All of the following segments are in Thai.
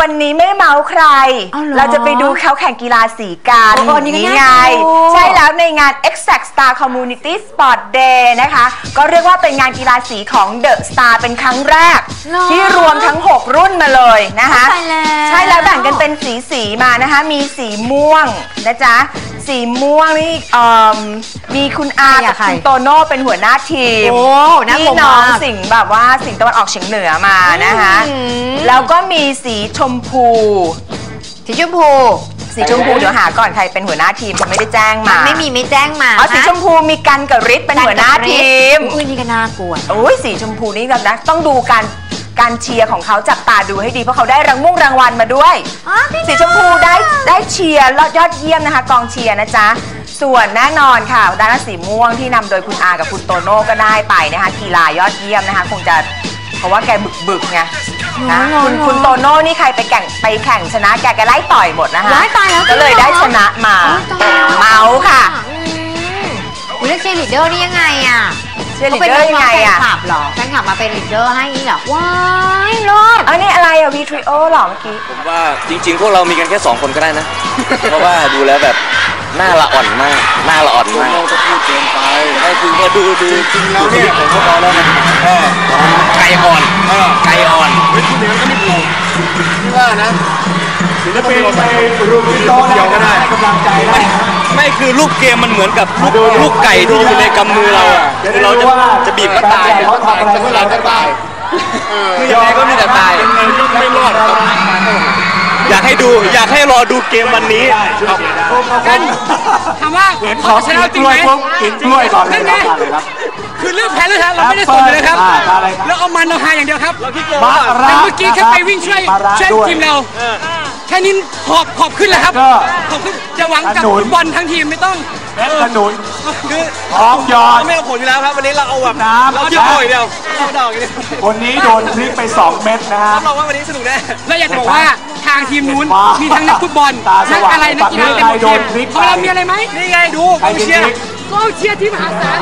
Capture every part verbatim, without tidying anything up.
วันนี้ไม่เมาใครเราจะไปดูเขาแข่งกีฬาสีกันนี่ไงใช่แล้วในงาน Exact Star Community Sport Day นะคะก็เรียกว่าเป็นงานกีฬาสีของ The Star เป็นครั้งแรกที่รวมทั้งหกรุ่นมาเลยนะคะใช่แล้วแบ่งกันเป็นสีสีมานะคะมีสีม่วงนะจ๊ะสีม่วงนี่มีคุณอากับคุณโตโน่เป็นหัวหน้าทีมพี่น้องสิงห์แบบว่าสิงห์ตะวันออกเฉียงเหนือมานะคะแล้วก็มีสีชมพูสีชมพูสีชมพูเดี๋ยวหาก่อนใครเป็นหัวหน้าทีมเขาไม่ได้แจ้งมาไม่มีไม่แจ้งมาอ๋อสีชมพูมีกันกับฤทธิ์เป็นหัวหน้าทีมอุ้ยนี่ก็น่ากลัวโอ้ยสีชมพูนี่แบบนะต้องดูการการเชียร์ของเขาจับตาดูให้ดีเพราะเขาได้รางมุ่งรางวัลมาด้วยสีชมพูได้ได้เชียร์ยอดเยี่ยมนะคะกองเชียร์นะจ๊ะส่วนแน่นอนค่ะด้านสีม่วงที่นำโดยคุณอากับคุณโตโน่ก็ได้ไปนะคะกีฬายอดเยี่ยมนะคะคงจะเพราะว่าแกบึกบึกไงนะคุณคุณโตโน่นี่ใครไปแข่งไปแข่งชนะแกแกไล่ต่อยหมดนะคะก็เลยได้ชนะมาเมาค่ะคุณเลือกเชียร์ลีดเดอร์นี่ยังไงอ่ะเชียร์ลีดเดอร์ยังไงอ่ะแฟนคลับหรอแฟนคลับมาเป็นลีดเดอร์ให้นี่หรอว้ายรอดอันนี้อะไรอ่ะวีทริโอหรอเมื่อกี้ผมว่าจริงๆพวกเรามีกันแค่สองคนก็ได้นะเพราะว่าดูแล้วแบบหน้าละอ่อนมากหน้าละอ่อนมากเราจะพูดเกินไปได้คือว่าดูดูจริงแล้วเนี่ยผมก็พอแล้วนะไก่อ่อนไก่อ่อนเฮ้ยคุณเดี๋ยวก็ไม่ถูกที่ว่านะศิลปินไปรูปโต๊ะเดียวก็ได้กำลังใจได้ไม่คือลูกเกมมันเหมือนกับลูกไก่ที่อยู่ในกำมือเราอ่ะคือเราจะจะบีบก็ตายเขาทำอะไรก็เราจะตายคือยังไงก็มีแต่ตายไม่รอดครับอยากให้ดูอยากให้รอดูเกมวันนี้กันถามว่าขอชนะจริงไหมกินกล้วยก่อนเลยครับคือเรื่องแพ้เรื่องชนะเราไม่ได้สนเลยครับแล้วเอามันเราหาอย่างเดียวครับแต่เมื่อกี้แค่ไปวิ่งช่วยช่วยทีมเราแค่นี้ขอบขอบขึ้นเลยครับขอบขึ้นจะหวังกับบอลทั้งทีมไม่ต้องเม็ดขนุนคือพร้อมยอดไม่เอาผลอยู่แล้วครับวันนี้เราเอาแบบน้ำเราเยอะเดียวเราดอกอย่างนี้วันนี้โดนพลิกไปสองเม็ดนะฮะรับรองว่าวันนี้สนุกแน่แล้วอยากบอกว่าทางทีมนู้นมีทั้งนักฟุตบอลนักอะไรนักกีฬาเป็นทีมของเรามีอะไรไหมนี่ไงดูกองเชียร์กองเชียร์ที่มหาศาล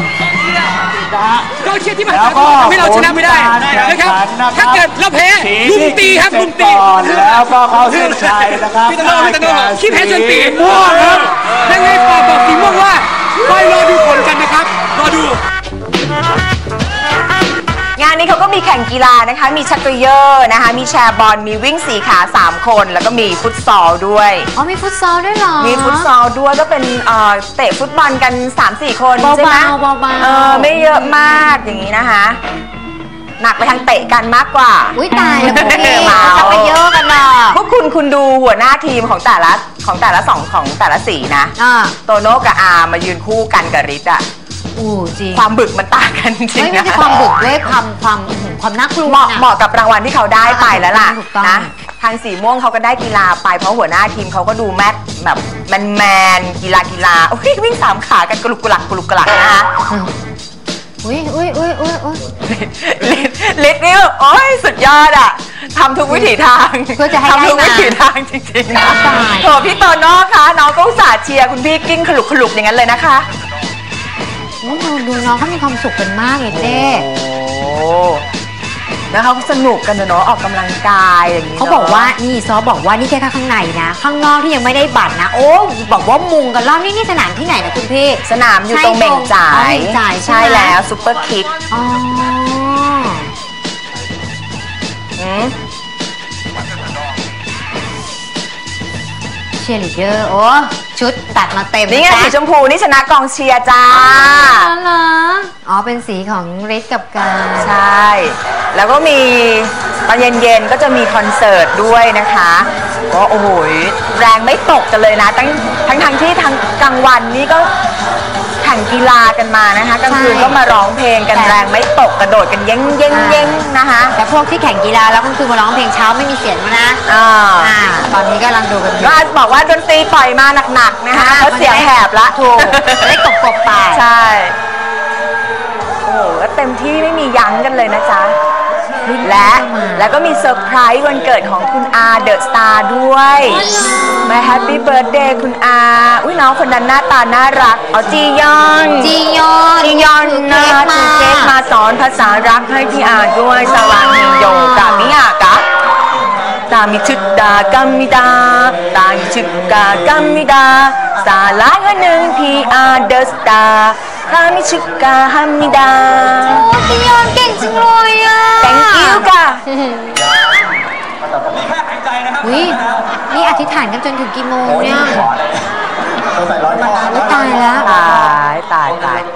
กองเชียร์ที่มหาศาลทำให้เราชนะไม่ได้นะครับถ้าเกิดเราแพ้ลุมตีครับลุมตีแล้วก็เข้าเส้นชัยนะครับพี่ตโน่พี่ตโน่ขี้แพ้จนตีม่วงครับยังไงปอบอกสีม่วงว่าคอยรอดูผลกันนะครับรอดูงานนี้เขาก็มีแข่งกีฬานะคะมีชักเกยอร์นะคะมีแชร์บอลมีวิ่งสี่ขาสามคนแล้วก็มีฟุตซอลด้วยอ๋อมีฟุตซอลด้วยเหรอมีฟุตซอลด้วยก็เป็นเตะฟุตบอลกัน สามสี่ คนใช่ไหมเบาๆเออไม่เยอะมากอย่างนี้นะคะหนักไปทางเตะกันมากกว่าอุ้ยตายแล้วพวกนี้ชักเกยอร์กันหรอพวกคุณคุณดูหัวหน้าทีมของแต่ละของแต่ละสองของแต่ละสีนะโตโน่กับอามายืนคู่กันกับฤทธิ์อ่ะความบึกมันต่างกันจริงนะไม่ใช่ความบึกด้วยความความความน่ากลัวเหมาะเหมาะกับรางวัลที่เขาได้ไปแล้วล่ะนะทางสีม่วงเขาก็ได้กีฬาไปเพราะหัวหน้าทีมเขาก็ดูแมทแบบแมนแมนกีฬากีฬาวิ่งสามขากันกลุกกลักกลุกกลักนะคะอุ้ยอุ้ยอุ้ยอุ้ยอุ้ยลิศนี่โอ้ยสุดยอดอ่ะทำทุกวิถีทางเพื่อจะให้ทำทุกวิถีทางจริงๆนะโถพี่โตโน่คะน้องก็อุตส่าห์เชียร์คุณพี่กิ้งขลุกขลุกอย่างนั้นเลยนะคะดูดูน้องเขามีความสุขกันมากเลยเจ๊โอ้แล้วเขาสนุกกันเนาะออกกำลังกายอย่างนี้เขาบอกว่านี่ซอบอกว่านี่แค่ข้างในนะข้างนอกที่ยังไม่ได้บัตรนะโอ้บอกว่ามุงกันรอบนี่นี่สนามที่ไหนนะคุณพี่สนามอยู่ตรงเบ่งจ่ายใช่แล้วซุปเปอร์คิกอ๋อเชียร์ลีดเดอร์โอ้ชุดตัดมาเต็มนี่ไงสีชมพูนี่ชนะกองเชียร์จ้าเหรออ๋อเป็นสีของฤทธิ์กับการใช่แล้วก็มีตอนเย็นๆก็จะมีคอนเสิร์ตด้วยนะคะก็โอ้โหแรงไม่ตกกันเลยนะทั้งทั้งทั้งที่ทั้งกลางวันนี่ก็แข่งกีฬากันมานะคะกลางคืนก็มาร้องเพลงกันแรงไม่ตกกระโดดกันเย้งเย้งเย้งนะคะแต่พวกที่แข่งกีฬาแล้วก็คือมาร้องเพลงเช้าไม่มีเสียงนะอ่าตอนนี้กำลังดูกันก็บอกว่าดนตรีปล่อยมาหนักๆนะคะเขาเสียงแหบละถูกได้กบกบไปใช่โอ้โหก็เต็มที่ไม่มียั้งกันเลยนะจ๊ะและแล้วก็มีเซอร์ไพรส์วันเกิดของคุณอาเดอะสตาร์ด้วยมาแฮปปี้เบิร์ดเดย์คุณอาอุ้ยน้องคนนั้นหน้าตาน่ารักอ๋อจียอนจียอนจียอนนะถือเค้กมาสอนภาษารักให้พี่อาด้วยสวัสดีโยกับมิอากะ 사랑하는 갑니다. 사랑하는 갑니다. 사랑하는 피아더스타. 감히 축하합니다. โอ้พี่ยอนเก่งจังเลยอ่ะ Thank you ค่ะอุ้ยนี่อธิษฐานกันจนถึงกี่โมงเนี่ยใส่ร้อยพ่ออุ๊ยตายแล้วตายตายตาย